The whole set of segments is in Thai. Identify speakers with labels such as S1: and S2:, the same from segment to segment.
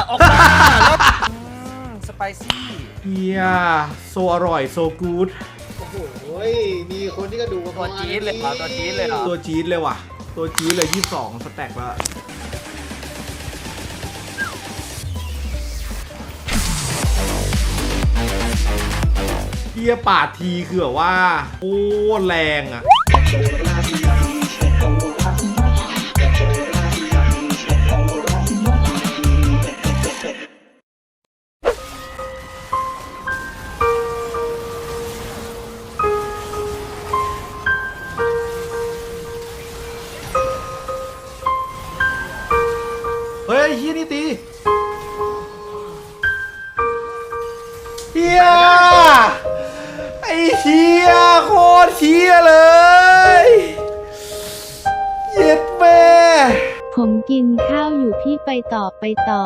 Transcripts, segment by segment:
S1: ออกมาแล้วสไปซี่
S2: เฮียโซอร่อยโซกู๊ด
S3: โอ้โหมีคนที่ก็ดู
S1: ตัวจี๊ดเลยเหรอตัวจี๊ดเลยเหรอ
S2: ตัวจี๊ดเลยว่ะตัวจี๊ดเลย22สแต็กแล้วเฮียปาดทีคือแบบว่าโอ้แรงอ่ะเฮ้ยเฮียนี่ตีเฮียไอ้เฮียโคตรเฮียเลยเย็ดแม่
S4: ผมกินข้าวอยู่พี่ไปต่อ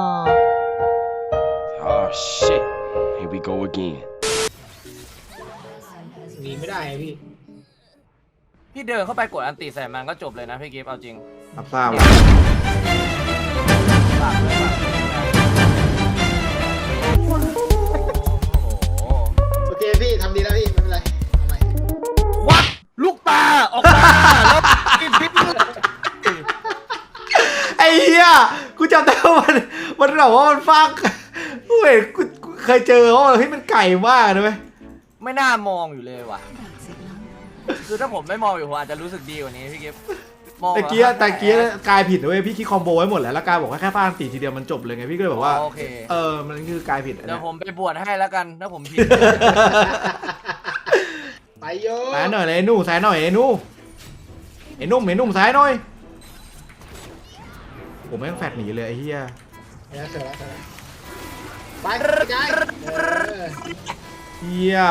S5: Oh shit. Here we go again.
S3: หนีไม่ได้ไงพี่
S1: พี่เดินเข้าไปกดอันติใส่มันก็จบเลยนะพี่กิฟต์เอาจริง
S2: รับทราบ
S1: ฝากเลยโอ้โห
S3: โอเคพี่ทำดีแล้วพี่ไม่เป็นไรทำไม
S1: วัดลูกตาออกมาแล้วกินพิษ
S2: ไอ้เหี้ยกูจำได้ว่ามันแบบว่ามันฟักกูเห็นกูเคยเจอเขาเฮ้ยมันไก่มากนะเว้ย
S1: ไม่น่ามองอยู่เลยว่ะคือถ้าผมไม่มองอยู่ผมอาจจะรู้สึกดีกว่านี้พี่กิฟต์มอง
S2: ตะเกียกายผิดนะเว้ยพี่คิดคอมโบไว้หมดแล้วแล้วกายบอกว่าแค่ฟาดตีทีเดียวมันจบเลยไงพี่ก็เลยบอกว่า
S1: โอเค
S2: มันคือกายผิด
S1: เดี๋ยวผมไปบวชให้แล้วกันถ้าผมผิด
S3: ไปโย
S2: ซ้ายหน่อยเลยไอ้หนูซ้ายหน่อยไอ้หนูไอ้นุ่มซ้ายหน่อยผมแม่งแฟดหนีเลยไอ้เหี้ย
S3: เสร็จแล้วไปกาย
S2: เหี้ย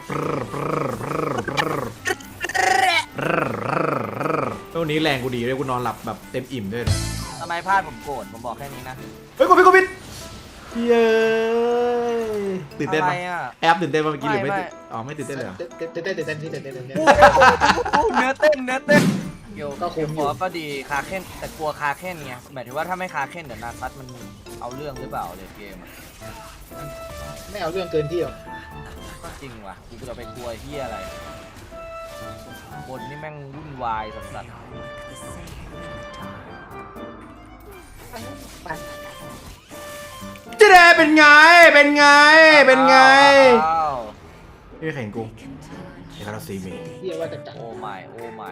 S2: ตัวนี้แรงกูดีเลยกูนอนหลับแบบเต็มอิ่มด้วยนะ
S1: ทำไมพลาดผมโกรธผมบอกแค่นี้นะ
S2: เฮ้ยกดผิดเย้ตื่นเต้น
S1: อะไร
S2: ปะ
S1: อ่ะ
S2: แอปตื่นเต้นปะเมื่อกี้หรือไม่
S1: ไม่
S2: ตื่นอ๋อไม่ตื่นเต้นเลยเหรอ
S3: เต้นพี่เต้น
S1: เนื้อเต้นเกี่ยว
S3: ก็คุ้มอยู่
S1: ขอก็ดีคาเค้นแต่กลัวคาเค้นไงหมายถึงว่าถ้าไม่คาเค้นเดี๋ยวนาซัตมันเอาเรื่องหรือเปล่าเลยเกมอะ
S3: ไม่เอาเรื่องเกินที่หรอก
S1: ก็จริงว่ะกูจะไปกลัวเฮียอะไรบนนี่แม่งวุ่นวายสัส
S2: เจ๊เป็นไง
S1: อ้าว
S2: นี่แข่งกูไอ้คาราซีมี
S3: พี่ว่าจะจัด
S1: โอ้ไม่โอ้ไม่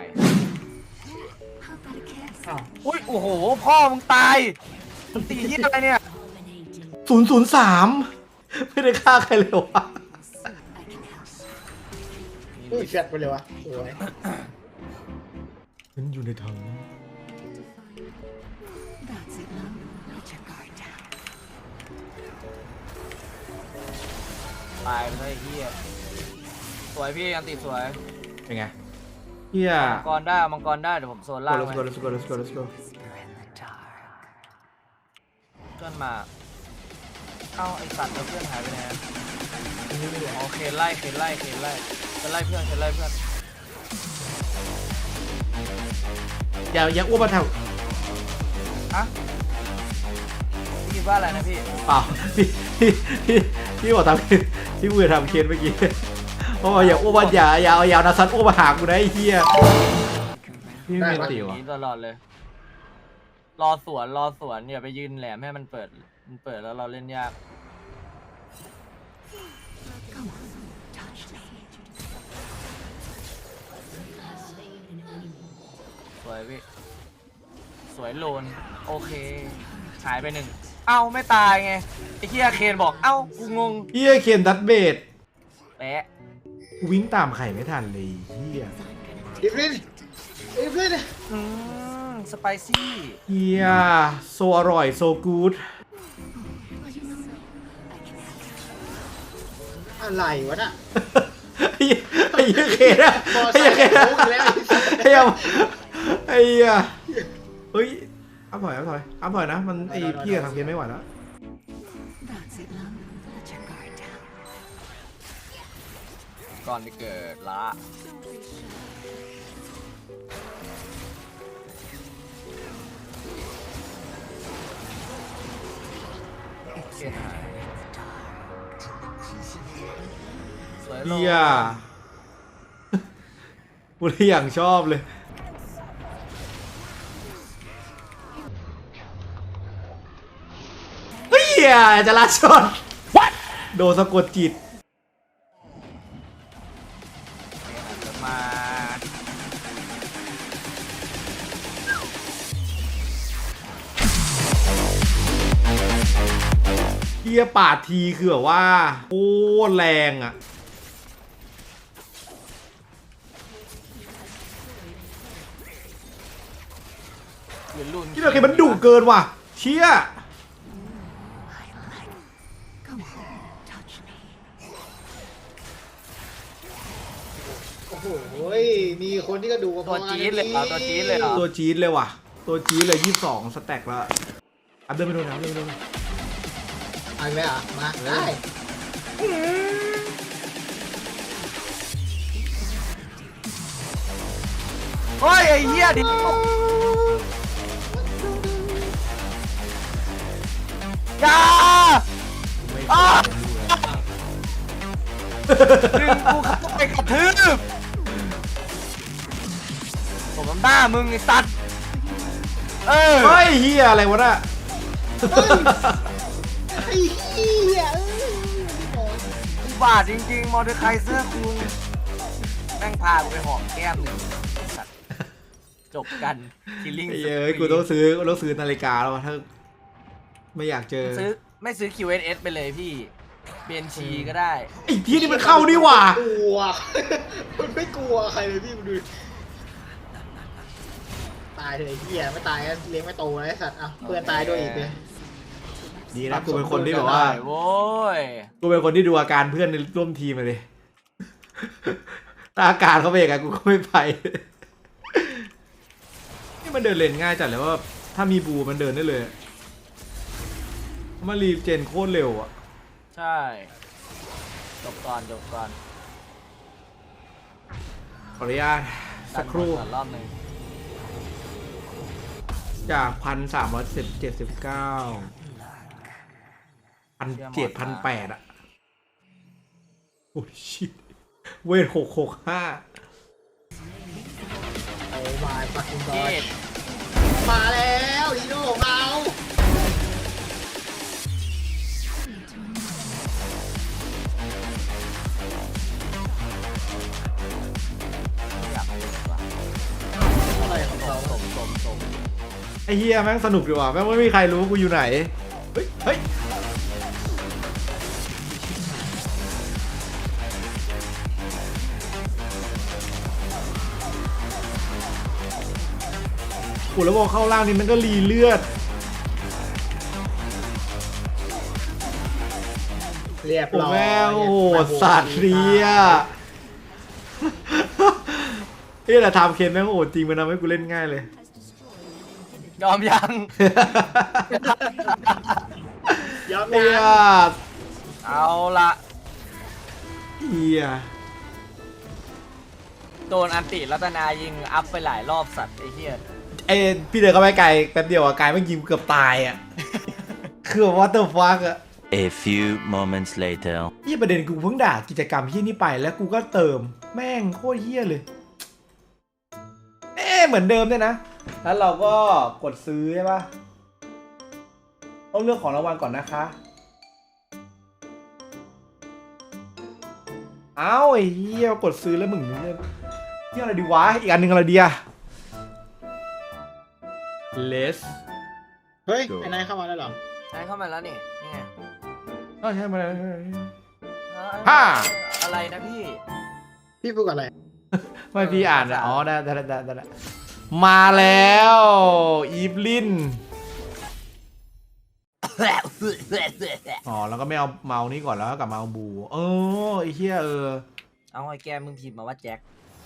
S3: อ้าว
S1: อุ้ยโอ้โหพ่อมึงตายมึงตีเฮียอะไรเนี่ย
S2: 003ไม่ได้ฆ่าใครเลยวะ
S3: แฟดไปเลยวะสวย
S2: ฉันอยู่ในถัง
S1: ตายไปเลยเฮียสวยพี่อันติสวย
S2: เป็นไงเฮีย
S1: มังกรได้เดี๋ยวผมโซนล่าง
S2: let's
S1: ไว้
S2: go let's go let's go let's go
S1: เพื่อนมาเอ้าไอสัตว์แล้วเพื่อนหายไปไหนโอเคไล่จะไล่เพื่อน
S2: อย่าอ้วนมาแถว
S1: อะพี่คิดว่าอะไรนะพี่
S2: เปล่าพี่บอกทำพี่พูดทำเคนเมื่อกี้เพราะว่าอย่าอ้วนมาอย่าเอายาวนะซัดอ้วนมาหากูนะไอ้เหี้ยพี่ไม่ตีวะ
S1: ตลอดเลยรอสวนอย่าไปยืนแหลมให้มันเปิดแล้วเราเล่นยากสวยพี่สวยโลนโอเคหายไปหนึ่งเอ้าไม่ตายไงไอ้เหี้ยเคนบอกเอ้ากูงง
S2: เหี้ยเคนดัตเบด
S1: แปะ
S2: กูวิ่งตามไข่ไม่ทันเลยเหี้ย
S3: อีฟลิน
S1: สไปซี่
S2: เฮียโซอร่อยโซกู๊ด
S3: อะไรวะน่ะ
S2: ไอ้เหี้ยเคนอะไอ้เหี้ยเคนอะไอ้เหี้ยเฮ้ยอัพถอยนะมันไอ้พี่กับทางเคนไม่ไหวแล้ว
S1: ก่อนที่เกิดละเคนหายสวยโล
S2: เฮียกูเลยอย่างชอบเลยเฮียจะลาชน What โดนสะกดจิต
S1: มา
S2: เฮียปาดทีคือแบบว่าโคตรแรงอ่ะ
S1: เรียนรุ่น
S2: ที่เราเห็นมันดุเกินว่ะเชี่ย
S3: โอ้โหมีคนที่ก็ดู
S1: ตัวจี๊ดเลยเหรอตัวจี๊ดเลยเหรอ
S2: ตัวจี๊ดเลยว่ะตัวจี๊ดเลย22 สแต็กแล้วอัพเดินไปโดนนะเดินไปโดน
S3: เอาไหมอ่ะมาได้
S1: เฮ้ยไอ้เหี้ยดิยาอ้าดึงกูเข้าไปกระทืบผมมันบ้ามึงไอ้สัตว์เออ
S2: เฮ้ยเฮียอะไรวะน่ะ
S3: ไอ้เหี้ย
S1: อุบาทจริงๆมอเตอร์ไคเซอร์คุงแม่งพากูไปหอมแก้มหนึ่งสัตว์จบกันคิลลิ่ง
S2: เอ้ยกูต้องซื้อนาฬิกาแล้ววะถ้าไม่อยากเจอ
S1: ไม่ซื้อ QNS ไปเลยพี่เบียนชีก็ได้
S2: ไอ้พี่นี่มันเข้านี่หว่ะ
S3: กลัวมันไม่กลัวใครเลยพี่มึงดูตายเลยไอ้เหี้ยไม่ตายก็เลี้ยงไม่โตเลยไอ้สัตว์อ่ะเพื่อนตายด้วยอีกเลย
S2: ดีนะกูเป็นคนที่แบบว่า
S1: โว้ย
S2: กูเป็นคนที่ดูอาการเพื่อนในร่วมทีมมาเลยถ้าอาการเขาเป็นยังไงกูก็ไม่ไปนี่มันเดินเลนง่ายจัดเลยว่าถ้ามีบูมันเดินได้เลยมารีเจนโคตรเร็วอ่ะ
S1: ใช่จบก่อน
S2: ขออนุญาตสักครู่
S1: ดันบอลก่อนรอบหนึ่ง
S2: จาก1,379 1,700 1,800อ่ะโอ้ยชิตเวท665
S3: โอ้มาปักกินบอ
S1: เจ็
S3: ล
S1: ด
S3: มาแล้วอีโน่ของเรา
S1: อยากไปเลยว่ะ
S3: อะไรของเรา
S1: สม
S2: ไอ้เฮียแม่งสนุกดีว่ะแม่งไม่มีใครรู้ว่ากูอยู่ไหน เฮ้ย เฮ้ย กูแล้วบอกเข้าล่างนี่มันก็รีเลือด
S3: เรียบ
S2: โอ้
S3: ร้อย
S2: แม่งโอ้โหสัตว์เรียเฮ้ยแต่ทำเคนแม่งโอ้จริงมันทำให้กูเล่นง่ายเลย
S1: ยอมยัง
S3: ยอม
S2: เฮี
S3: ยั
S2: ย
S3: ง
S1: เอาละ
S2: เฮีย
S1: โดนอันติรัตนายิงอัพไปหลายรอบสัตว์ไอ้เหี้ย
S2: ไอ้พี่เดินเข้าไปไกลแป๊บเดียวอะกายแม่งยิงเกือบตายอะ คือแบบว่าเตอร์ฟักอะ
S6: A few moments later.
S2: ยี่ประเด็นกูเพิ่งด่ากิจกรรมที่นี่ไปแล้วกูก็เติมแม่งโคตรเฮี้ยเลยเหมือนเดิมด้วยนะแล้วเราก็กดซื้อใช่ปะต้องเลือกของรางวัลก่อนนะคะเอ้าไอ้เฮี้ยกดซื้อแล้วมึงเนี่ยเฮี้ยอะไรดีวะอีกอันหนึ่งอะไรดีอะ Let's
S3: เฮ้ยไอ้นายเข้ามาแล้วเหรอ
S1: ใช้เข้ามาแล้วนี่นี่ไง
S2: ก็ใช่มาแล้ว
S1: อ่า
S2: ห้า
S1: อะไรนะพี่
S3: พี่พูดอะไร
S2: ไม่พี่อ่านอะอ๋อได้มาแล้วอีฟลินอ๋อแล้วก็ไม่เอาเมาส์นี้ก่อนแล้วก็กลับมาเอาบูไอ้เหี้ย
S1: เอาไอ้แกมึงพิมพ์มาว่าแจ็ค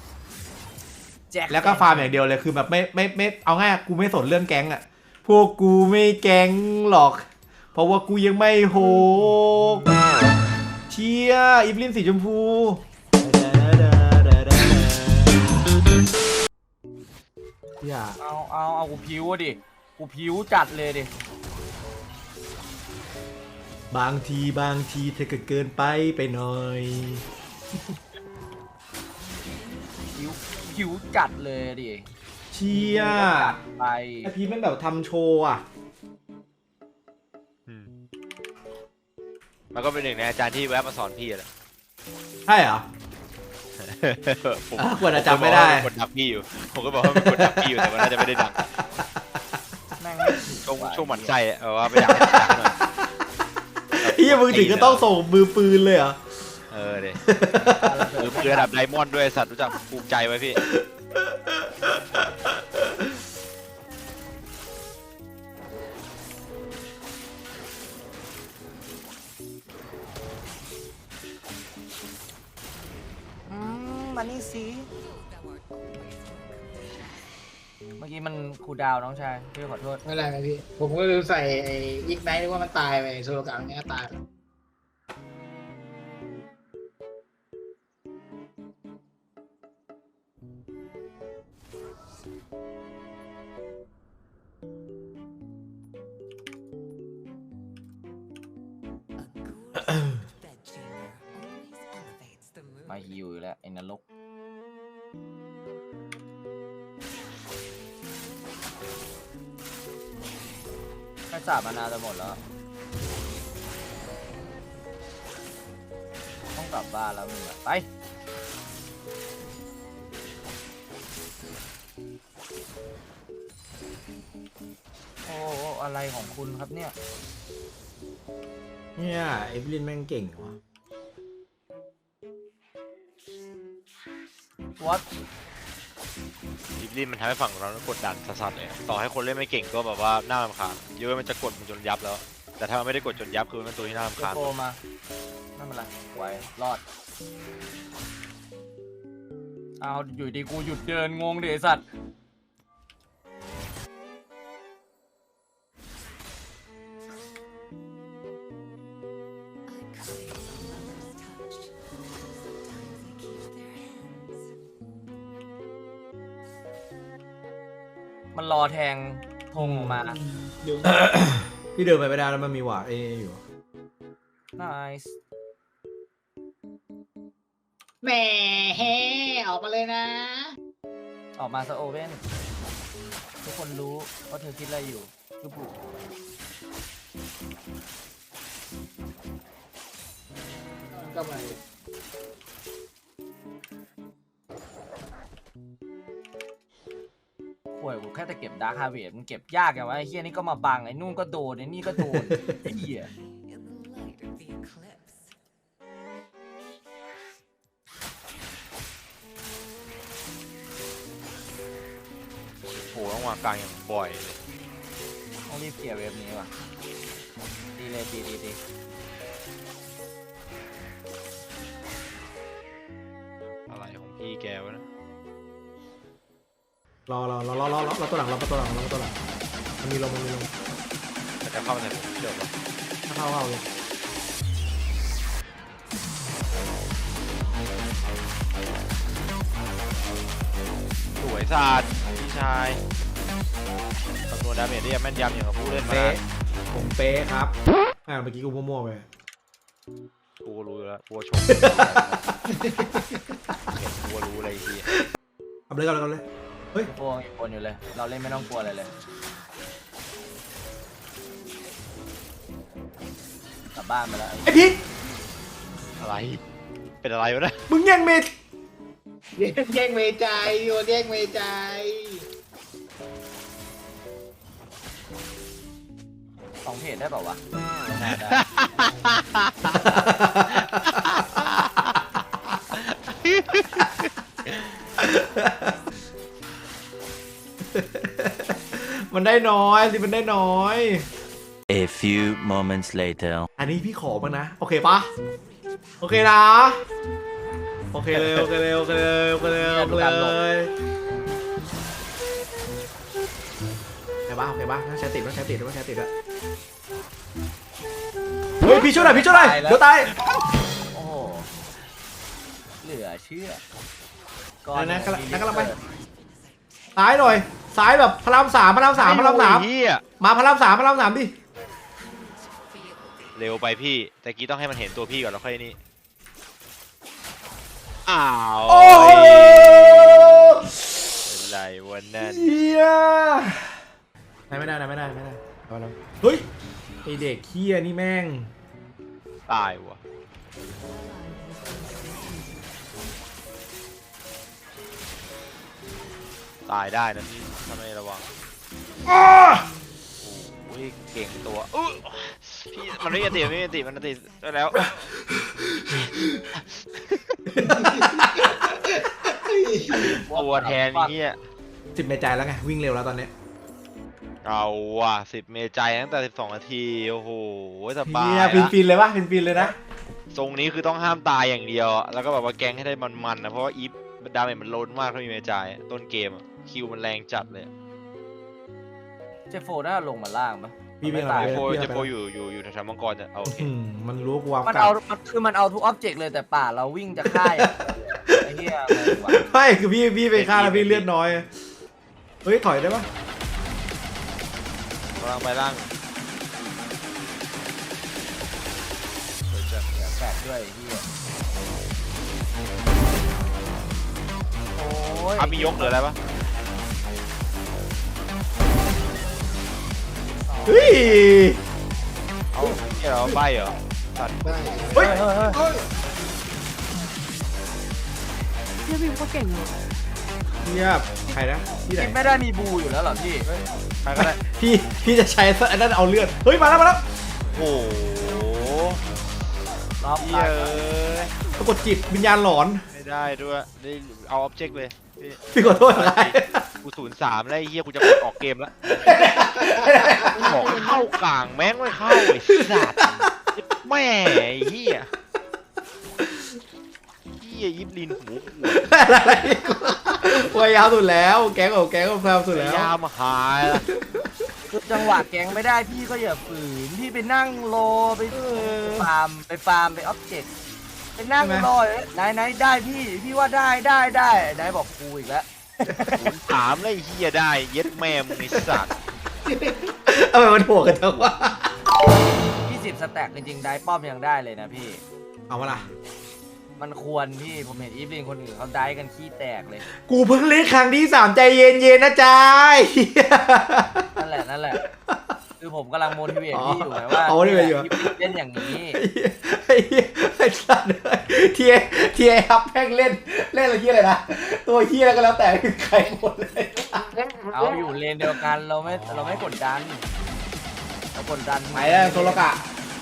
S2: แล้วก็ฟาร์มอย่างเดียวเลยคือแบบไม่เอาง่ายกูไม่สนเรื่องแก๊งอะพวกกูไม่แก๊งหรอก เพราะว่ากูยังไม่โหกเชียอีฟลินสีชมพูอย่า
S1: เอากูพิวดิกูพิวจัดเลยดิ
S2: บางทีเธอก็เกินไปหน่อย
S1: หิวจัดเลยดิ
S2: เชีย
S1: จัดไป
S2: ไอพีมันแบบทำโชว์อ่ะ
S7: มันก็เป็นหนึ่งในอาจารย์ที่แวะมาสอนพี่แหละ
S2: ใช่เหรอ
S7: ผม
S2: กว่าจะจำไม่ได้
S7: ผมก็บอกว่าเป็นคนดักพี่อยู่ ผมก็บอกว่าเป็นคนดักพี่อยู่แต่ว่าน่าจะไม่ได้ดัก
S1: แม่งไม่ถึง
S7: ช่วงหมั่นไส้อะว่าไม่อยากให้ดักหน่อย
S2: เฮียมึงถึงก็ต้องส่งมือปืนเลยเหรอ
S7: เออเด็คือระดับไดมอนด์ด้วยสัตว์รู้จักภูมิใจไว้พี่
S1: มานี่สิเมื่อกี้มันคูลดาวน์น้องชายพี่ขอโทษ
S3: ไม่เป็นไรไหมพี่ ผมก็เลยใส่ไอ้ยิกไนท์นึกว่ามันตายไปโซโลกาเนี้ยตาย
S1: มาฮิวอยู่แล้วไอ้นรกแค่สาบมานานจะหมดแล้ว ต้องกลับบ้านแล้วมึงอะไปโอ้อะไรของคุณครับเนี่ย
S2: เนี่ยเอฟลินแม่งเก่งว่ะ
S1: What
S7: ดิบลินมันทำให้ฝั่งเรากดดันสัสๆเลยต่อให้คนเล่นไม่เก่งก็แบบว่าน่ารำคาญเยอะมันจะกดมันจนยับแล้ว แต่ถ้ามันไม่ได้กดจนยับคือมันเป็นตัวที่น่ารำคาญ
S1: โฟมาไม่เป็นไรไหวรอดเอาอยู่ดีกูหยุดเดินงงดิไอ้สัตว์มันรอแทงธงออกมา
S2: พี่เดินไปไม่ได้แล้วมันมีหวาดเออยู่
S1: nice
S3: แหมเฮ้ออกมาเลยนะ
S1: ออกมาซะโอเว่นทุกคนรู้ว่าเธอคิดอะไรอยู่จุบุ
S3: ก็มา
S1: ป่วยกูแค่จะเก็บดาร์คฮาร์เวสมันเก็บยากอย่างวะไอ้เฮียนี่ก็มาบังไอ้นู่นก็โดนไอ้นี่ก็โดนไอ้เฮีย
S7: โอ้โหต้องวางกลางอย่างบ่อยเลย
S1: ต้องรีบเคลียร์เว็บนี้ว่ะดีเลยดี
S7: อะไรของพี่แกวะนะ
S2: รอตัวหลังมันมีลม
S7: แต่จะเข้ามาใส่ผมเดี๋ยววะ
S2: ถ้าเข้าเลย
S7: สวยศาสตร์พี่ชายคำนวณดาเมจได้ยังแม่นยำอย่างกับผู้เล่นมา
S2: เป๊ะผมเป๊ะครับเมื่อกี้กูมั่วๆไป
S7: กูก็รู้อยู่แล้วกูก็ชมกูก็รู้อะไรอีกที
S2: เอาเลยกันเลยเฮ้ย
S1: โอ้ยคนอยู่เลยเราเล่นไม่ต้องกลัวอะไรเลยกลับบ้านไปแล้ว
S2: ไอพีท
S7: อะไรเป็นอะไรวะเนะ
S2: มึงแย่งเมด
S3: แย่งเมใจโยนแย่งเมใจ
S1: 2 เพจได้เปล่าวะได้ได้
S2: มันได้น้อยสิมันได้น้อย
S6: A few moments later.
S2: อันนี้พี่ขอบ้างนะโอเคปะโอเคนะโอเคเลยโอเคเลยโอเคปะใช้ติดอะเฮ้ยพี่ช่วยหน่อยเดี๋ยวตาย
S1: โอ้โหเหลือเชื่อ
S2: นั่นกำลังไปซ้ายหน่อยซ้ายแบบพระรามสาม
S7: เฮีย
S2: มาพระรามสามดิ
S7: เร็วไปพี่แต่กี้ต้องให้มันเห็นตัวพี่ก่อนแล้วค่อยนี่อ้าว
S2: โอ้ย
S7: เป็นไรวันนั้น
S2: เฮียไม่ได้เอาแล้วเฮ้ยไอเด็กเฮียนี่แม่ง
S7: ตายว่ะตายได้นะพี่ถ้าไม่ระวังโอ้ยเก่งตัวพี่มันไม่มีติมันติได้แล้วตัวแทนนี่
S2: 10 ในใจแล้วไงวิ่งเร็วแล้วตอนเนี้ย
S7: เอาว่ะ10 เมใจตั้งแต่12 นาทีโอ้โหสบาย
S2: เฮีย
S7: ละ
S2: ฟินเลยปะฟินเลยนะ
S7: ทรงนี้คือต้องห้ามตายอย่างเดียวอะแล้วก็แบบว่าแก๊งให้ได้มันๆนะเพราะว่าอีฟดาเมจมันล้นมากถ้ามีเมจายต้นเกมอะคิวมันแรงจัดเลย
S1: เจฟโฟน่าลงมาล่างปะ
S2: พี่วิ่ง
S1: ตาย
S7: เจโฟ
S2: พี่
S7: เจโฟอยู่แถวๆมังกรจะเอาโอเค
S2: มันรู้กูวาง
S1: มัน
S2: กลั
S1: เอา
S2: บ
S1: มันเอาทุกอ็อบเจกต์เลยแต่ป่าเราวิ่งจะฆ่าอย่างไอ้เหี้ยงงว่ะ
S2: ไม่คือพี่ไปฆ่าแล้วพี่เลือดน้อยเฮ้ยถอยได้ปะ
S7: กำลังไปล่าง
S1: แปดด้วยไอ้เหี้ยโอ้ย
S7: มียกหรืออะไรปะ
S2: เฮ้ย
S7: เอาที่เราใบเหรอตัด
S3: ได้
S2: เฮ้ย
S3: เฮ้ย
S4: พี่วิวก็เก่งเลย
S2: เฮียใครนะที่ไหน
S1: คิดไม่ได้มีบูอยู่แล้วเหรอพี่
S7: ใครก็ได้
S2: พี่จะใช้อันนั้นเอาเลือดเฮ้ยมาแล้ว
S7: โอ้โห
S1: ล็อก
S7: เย้ย
S2: ปรากฏจิตวิญญาณหลอน
S7: ไม่ได้ด้วยได้เอาออบเจกต์เลยพี่
S2: พี่ขอโทษอะไร
S7: กู03แล้วไอ้เหี้ยกูจะกดออกเกมแล้วบอกเข้ากลางแม่งไม่เข้าไอ้สัตว์แม่ไอ้เหี้ยยิบลินหูขวด
S2: อะไรพยายามสุดแล้วแก๊งของแก๊งของแฟมสุดแล้ว
S7: ยามหายละ
S1: คือจังหวะแกงไม่ได้พี่ก็อย่าฝืนพี่ไปนั่งรอไปฟาร์มไปอ็อบเจกต์ไปนั่งรอไหนได้พี่ว่าได้ไหนบอกกูอีกแล้ว
S7: 03แล้วไอ้เหี้ยได้เย็ดแม่มึงไอ้สัตว์
S2: ทำไมมันโหดกันจังวะ
S1: 20 สแต็กจริงๆได้ป้อมยังได้เลยนะพี่
S2: เอามาล่ะ
S1: มันควรพี่ผมเห็นอีฟลินคนอื่นเขาได้กันขี้แตกเลย
S2: กูเพิ่งเล่นครั้งที่3ใจเย็นๆนะจ๊ะ
S1: นั่นแหละคือผมกำลังโมทิเวตพี่อยู่ไงว่า
S2: motivate อยู่
S1: อีฟลินเล่นอย่างนี้
S2: ไอ้สัตว์ทีไอฮับแม่งเล่นอะไรเฮียอะไรนะตัวเฮียก็แล้วแต่คือใครหมดเลย
S1: เอาอยู่เลนเดียวกันเราไม่กดดันเรากดดัน
S2: ไปแล้วโซโลกะ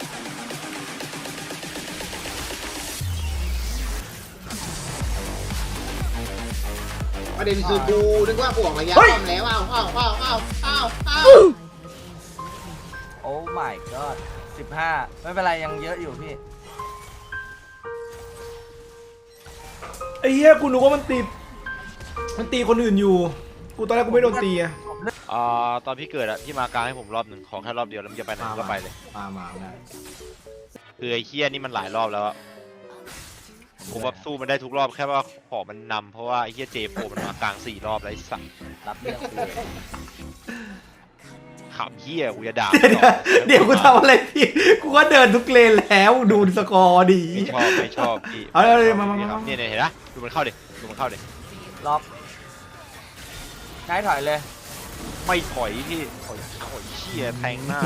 S3: ประเด็นคือกูนึกว่าบวกระยะ
S2: เฮ้ย
S3: ป้อมแล้วอ้าว
S1: โอ้ my god 15ไม่เป็นไรยังเยอะอยู่พี่
S2: ไอ้เหี้ยกูนึกว่ามันตีคนอื่นอยู่ กูตอนแรกกูไม่โดนตีอะ
S7: ตอนพี่เกิดอะพี่มากลางให้ผมรอบหนึ่งขอแค่รอบเดียวแล้วมันจะไปไหนก็ไปเลย
S2: มาได้
S7: คือไอ้เคี้ยนี่มันหลายรอบแล้วอะผมว่าสู้มันได้ทุกรอบแค่ว่าขอมันนำเพราะว่าไอ้เคี้ยเจโฟมันมากลาง4 รอบแล้วไอ้สัตว์
S1: รับเรื่องกูเลย
S7: ขำเคี้ยกูจะด่า
S2: เดี๋ยวกูทำอะไรพี่ กูก็เดินทุกเลนแล้วดูสกอร์ดี
S7: ไม่ชอบพี่
S2: เอาเลย
S7: ไชอบ
S2: มา
S7: พี่ครับเนี่ยเห็นปะดูมันเข้าดิ
S1: ล็อกใช้ถอยเลย
S7: ไม่ถอยพี่ถอยเคี้ยแทงหน้า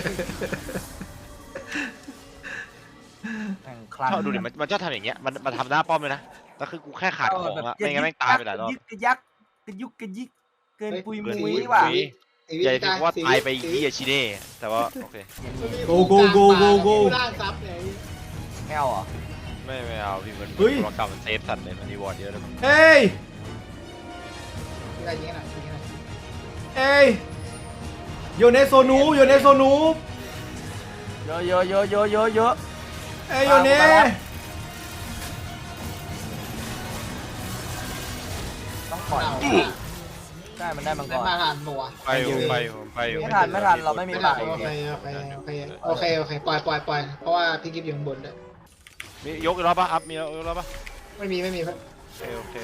S1: แข่งครั้ง
S7: ชอบดูดิมันชอบทำอย่างเงี้ยมันทำหน้าป้อมเลยนะแล้วคือกูแค่ขาดของอะไม่งั้นแม่งตายไปหลายรอบ
S1: กระยักกระยุกกระยิกเกินปุย
S7: เกิน
S1: มุ้
S7: ปุ
S1: ย
S7: ย
S1: ว่ะ
S7: มุ้ย ใหญ่ถึงว่าตายไปที่ชิเน่แต่ว่าโอเค
S2: โกโก
S3: ร่างซับเลย
S1: ไม่เอาเหรอ
S7: ไม่เอาพี่มัน
S2: เฮ้ย
S7: โปรแกรมมันเซฟสัตว์เลยมันรีวอร์ดเยอะเลย
S2: เอ้ย
S3: อะไรอย่างเงี้ยนะ
S2: เอ้ยโยเนโซนู
S1: เยอะ
S2: เอ้ยโยเน
S1: ต้องปล่อยได้มันได้มังก
S3: ได้
S1: ร
S3: มาทานหนัว
S7: ไปอยู่
S1: ไม่ทันเราไม่มี
S3: ไม่
S1: ปา
S3: ทาก น
S1: อีก
S3: โอเคปล่อยเพราะว่าพี่กิฟต์อยู่ข้างบนด้วย
S7: มียกอีกรอบป่ะอัพมียกอีกรอบป่ะ
S3: ไม่มีครับ
S7: โอเค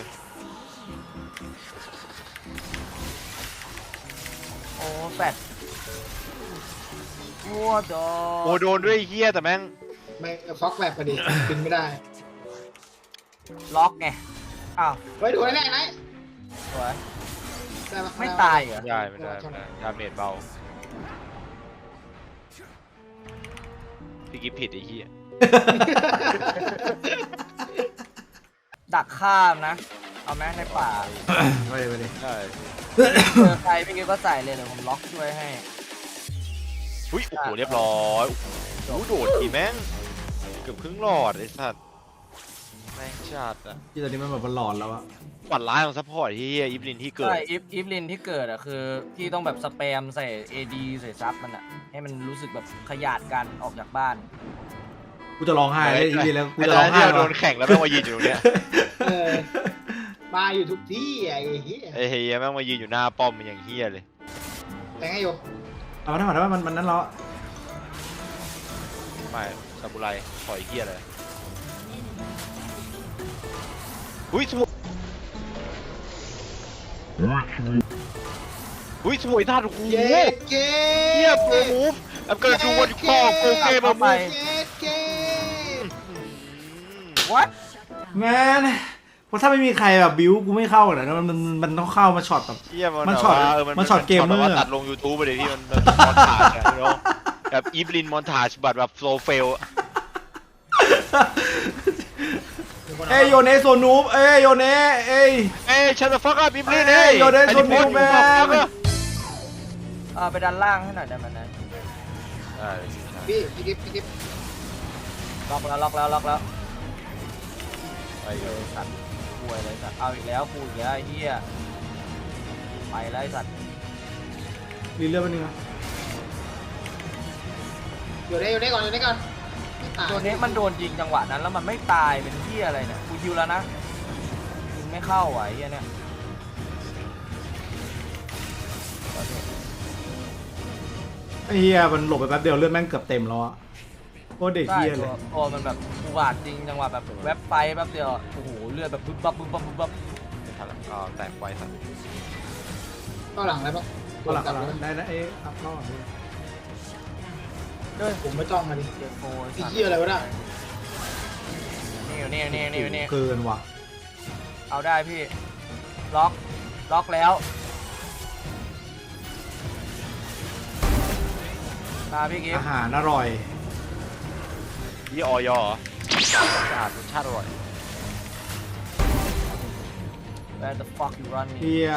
S1: โอ้แปดโอ้โด
S7: โอ้โดนด้วยไอ้เฮียแต่แม่ง
S3: ไม่ฟอกแบบพอดีบินไม่ได้
S1: ล็อกไงอ้าว
S3: เฮ้ยดูแน่ไหน
S1: สวย
S3: ได้ปะ
S1: ไม่ตายเหรอ
S7: ไม่ได้ดาเมจเบาพี่กิฟผิดไอ้เฮีย
S1: ดักข้ามนะ เอาแม้ในป่า
S2: ไปเลย
S7: ใช่
S1: เจอใครพี่กิ๊กก็ใส่เลยเดี๋ยวผมล็อกช่วยให้
S7: อุ้ยโอ้โหเรียบร้อยโอ้โหโดดทีแม่งเกือบครึ่งหลอดไอ้สัตว์แม่งจัดอะ
S2: ที่ตอนนี้มันแบบมันหลอนแล้วอะ
S7: ปัดร้ายของซัพพอร์ตที่อีฟลินที่เกิด
S1: ใช่อีฟลินที่เกิดอ่ะคือพี่ต้องแบบสแปมใส่ AD ใส่ซับมันอ่ะให้มันรู้สึกแบบขยาดกันออกจากบ้าน
S2: กูจะร้องไห้เลยอีกทีแล้วกู
S7: ไอ้
S2: จะ
S7: ต
S2: ร้
S7: อ
S2: อน ง
S7: ที่
S2: ไห้
S7: เราโด
S2: ว่ะ
S7: นแข่งแล้วแม่งมายืนอยู่ตรงเนี้ย
S3: เออมาอยู่ทุกที่ไอ้เหี้ย
S7: ไอ้เฮียแม่งมายืนอยู่หน้าป้อมมันอย่างเฮียเลย
S3: แต่งให้อยู่
S2: เอามาทำไมว่ามันนั้นแล้ว
S7: ไม่ซาบูไรปล่อยเฮียเลยอุ้ยสวยอุ้ยสวยท่าโอ้โห
S3: เย้เก้
S7: เฮียโปรมูฟI'm gonna do what you call go game of move
S3: เย้เก้
S1: What
S2: แมนเพราะถ้าไม่มีใครแบบบิวกูไม่เข้าเลยนะมันต้องเข้ามาช็อตแบบ
S7: เฮีย
S2: มั
S7: มัน
S2: ช็อต
S7: แบบว่า
S2: มันช็อตเกมเมอร์
S7: แบบว่าตัดลง YouTube ไปเลยที่มันมอนทาจอะเนาะแบบอีฟลินมอนทาจแบบโฟล์เฟล
S2: เอ้ยโยเนโซนูบเอ้ยโยเนเอ้ย
S7: เอ้ยชันฟักอัพอีฟลิน
S2: เอ้
S7: เอ้
S2: ย
S7: ย
S2: โยนได้ชนวิวแม่ง
S1: ไปด้านล่างให้หน่อยได้ไหมนะ
S3: พี่กิ๊บ
S1: ล็อกแล้ว
S7: ไปเลย
S1: สัตว์ป่วยเลยสัตว์เอาอีกแล้วกูอีกแล้วไอ้เหี้ยไปแล้วไอ้สัตว์
S2: รีเลือกไปนึงนะ
S3: อยู่ได้ก่อนไม่ตาย
S1: ตัวนี้มันโดนยิงจังหวะนั้นแล้วมันไม่ตายเป็นเหี้ยอะไรเนี่ยกูยิวแล้วนะยิงไม่เข้าอ่ะไอ้เหี้ยเนี่ย
S2: ไอ้เฮียมันหลบไปแป๊บเดียวเลือดแม่งเกือบเต็มแล้วอะโคตรเด็ก
S1: ใช่
S2: เฮียเลย
S1: ตัวมันแบบอุบาทจริงจังหวะแบบแวบไฟแป๊บเดียวโอ้โหเลือดแบบบึ๊บบับ
S7: ไม่ทันแล้วก็แตกไวสัตว์
S3: เข้าหลังได้ปะ
S2: เอาหลักได้นะเอ้ยอัพรอบนี้
S1: ด้วย
S3: ผมไม่ต้องมาดิ
S1: เจอโฟ
S3: ไอ้เหี้ยอะไรวะเนี่ย
S1: นี่
S2: เกินว่ะ
S1: เอาได้พี่ล็อกแล้วมาพี่กิ๊ฟ
S2: อาหารอร่อย
S7: ยี่ออยเหรอสะอาดรสชาติอร่อย
S1: Where the fuck you run
S2: เฮีย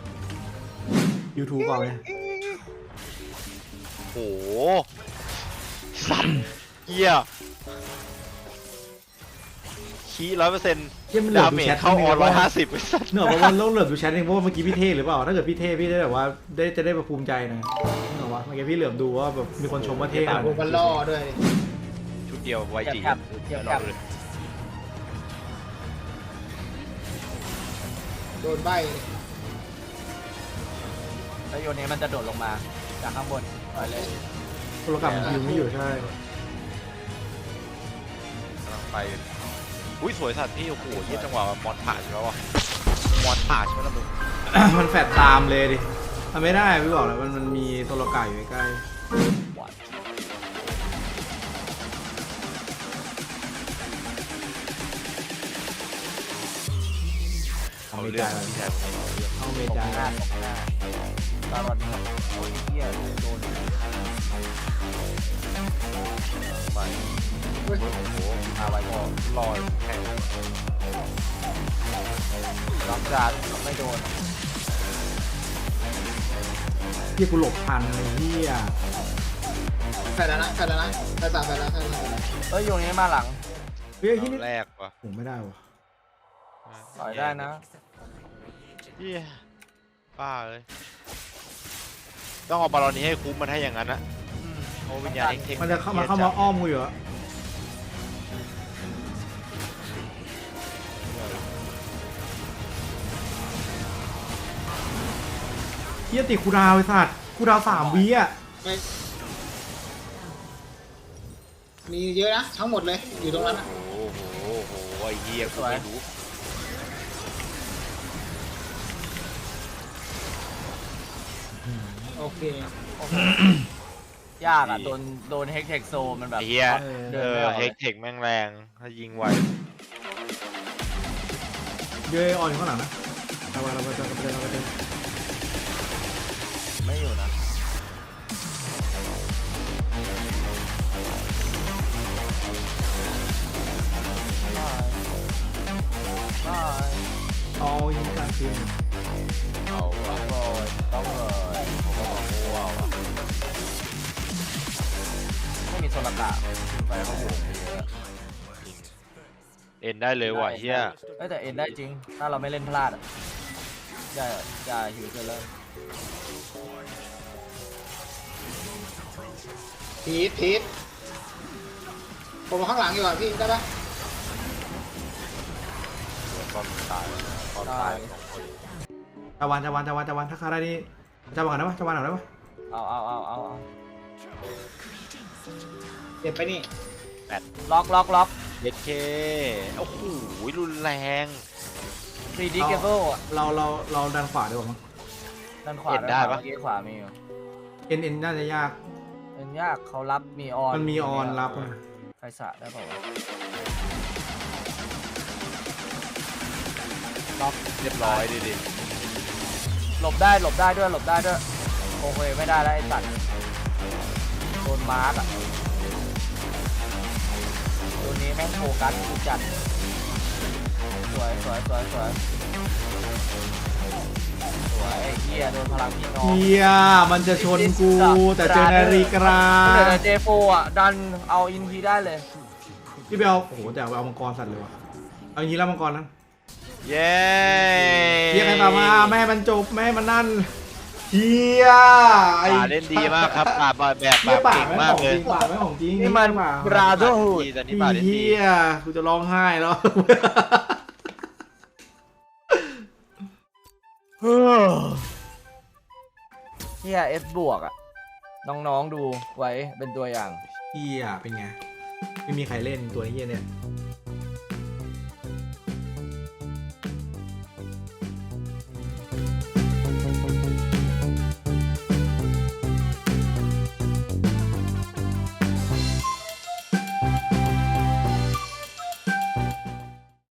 S2: YouTube เปล่าเนี่ย
S7: โอ้โหสัตว์เฮียคี100%
S2: เฮียมันเหลือ
S7: ดา
S2: ดู
S7: เมจ
S2: แชท
S7: เข้าออน
S2: ว่า
S7: 150ไอ้สัตว์
S2: เนอะเพราะว่าต้องเหลือดูแชทเองเพราะว่าเมื่อกี้พี่เท่หรือเปล่าถ้าเกิดพี่เท่พี่ได้แบบว่าจะได้แบบภูมิใจหน่อยเนอะวะเมื่อกี้พี่เหลือบดูว่าแบบมีคนชมว่าเท่ข
S3: ตา
S2: นาด
S3: โบกันล่อด้วย
S7: ชุดเดียวไวจี
S1: เทียบ
S7: รอเลย
S3: โดนใบ
S1: แล้วโยนนี้มันจะโดดลงมาจากข้างบนปล่อยเลย
S2: โทรศัพท์มันยิงไม่อยู่ใช่
S7: กำลังไปอุ้ยสวยสัตว์พี่โอ้โหยี่จังหวะมอนถาใช่ไหมวะมอนถาใช่ไหมล่ะมึง
S2: มันแฟดตามเลยดิทำไม่ได้พี่บอกเลยมันมีโทรกาอยู่ใกล้
S1: What?
S2: ๆเอาไม่ได้
S7: พี่ชาย
S2: เอาไม่
S1: ตก
S2: ได้
S1: หน้าตลอดนี่โอ้ยเหี้ยโดน
S7: ไป
S3: เฮ้ย
S7: โอ้โหมาไว้ก็ลอยแข่ง
S1: ล็อกจานไม่โดน
S2: พี่กูหลบทันเลยเฮีย
S3: แฟนแล้วนะแฟนสามแฟนแล้ว
S1: เอ้ยโยนนี้มาหลัง
S2: เฮ้ยที่นี่
S7: แรกว่ะ
S2: ผมไม่ได้ว่ะ
S1: ปล่อยได้นะ
S7: เหี้ยป้าเลยต้องเอาบอลนี้ให้คุ้มมันให้อย่างนั้นนะโอ้วิญญาณเทค
S2: มันจะเข้ามาอ้อมกูอยู่อะเฮียติคูดาวไอ้สัตว์คูดาว3 วิอ่ะ
S3: มีเยอะนะทั้งหมดเลยอยู่ตรงนั้นนะ
S7: โอ้โหไอ้เหี้ยกูไม่รู้
S3: โอเค
S1: ยากอ่ะโดนเฮกเทคโซมันแบบ
S7: ไอ้เหี้ย
S1: เดินไม่ออก
S7: เฮ
S1: เล
S7: ก
S1: ย
S7: เทคแม่งแรงถ้ายิงไว
S2: เยอะออนอยู่ข้างหลังนะเราจะ
S1: ไม่อยู่นะได้
S2: เอายิงกลางคืน
S7: เอาวะ
S1: ต้องเลยผมก็บอกว้าวไม่มีโซลกะไปเขาโหวกเยอะ
S7: ยิงเอ็นได้เลยว่ะเฮีย
S1: แต่เอ็นได้จริง ถ้าเราไม่เล่นพลาดอ่ะอย่าหิวเกินเลย
S3: ทีทผมข้างหลังอยู่อ่ะพี่ได้ปะ
S7: ตอนตายตอนตายสองคน
S2: ตะวันถ้าคาได้นี่จะวางได้ปะจะวางหน่อยได้ปะ
S1: เอา
S3: เก็บไปนี่
S1: ล็อก
S7: เย็ดเคโอ้โหรุนแรง
S1: 3D cable อ่ะ
S2: เราดันขวาดีกว่ามั้ง
S1: ด้านขวา
S7: เอ็นได้ปะ
S1: เมื่อกี้ขวามีอยู่
S2: เอ็นน่าจะยาก
S1: เป็นยากเขารับมีออน
S2: มันมีออนรับอะ
S1: ใครสะได้เปล่าวะ
S7: เรียบร้อยดิ
S1: หลบได้ด้วยโอเคไม่ได้แล้วไอ้สัตว์โดนมาร์กอ่ะตัวนี้แม่งโฟกัสกูจัดสวยไอ้เหี้ยโดนพลังพี่น้อง
S2: เฮียมันจะชนกูแต่เจอนาฬิกา
S1: เหลือเจโฟอ่ะดันเอาอินทีได้เลย
S2: พี่เบลโอ้โหแต่เอามังกรสัตว์เลยว่ะเอาอย่างนี้แล้วมังกรนั้น
S7: เย้
S2: เฮียใครตามมาไม่ให้มันจบไม่ให้มันนั่นเฮียไอ้
S7: ป่าเล่นดีมากครับป่าแบบ
S2: เฮียป่า
S7: เก่ง
S2: ไม่
S7: มาก
S2: ของ
S7: เล
S2: จ
S7: ย
S2: ริงป่าไม่ของจริง
S1: นี่มัน
S2: ป่า
S1: บราโด
S7: ตอนนี้ป่าเล่น
S2: เฮี
S7: ดี
S2: ยกูจะร้องไห้แล้ว
S1: เฮียเอฟบวกอ่ะน้องๆดูไว้เป็นตัวอย่าง
S2: เฮียเป็นไงไม่มีใครเล่นตัวเฮียเนี่ย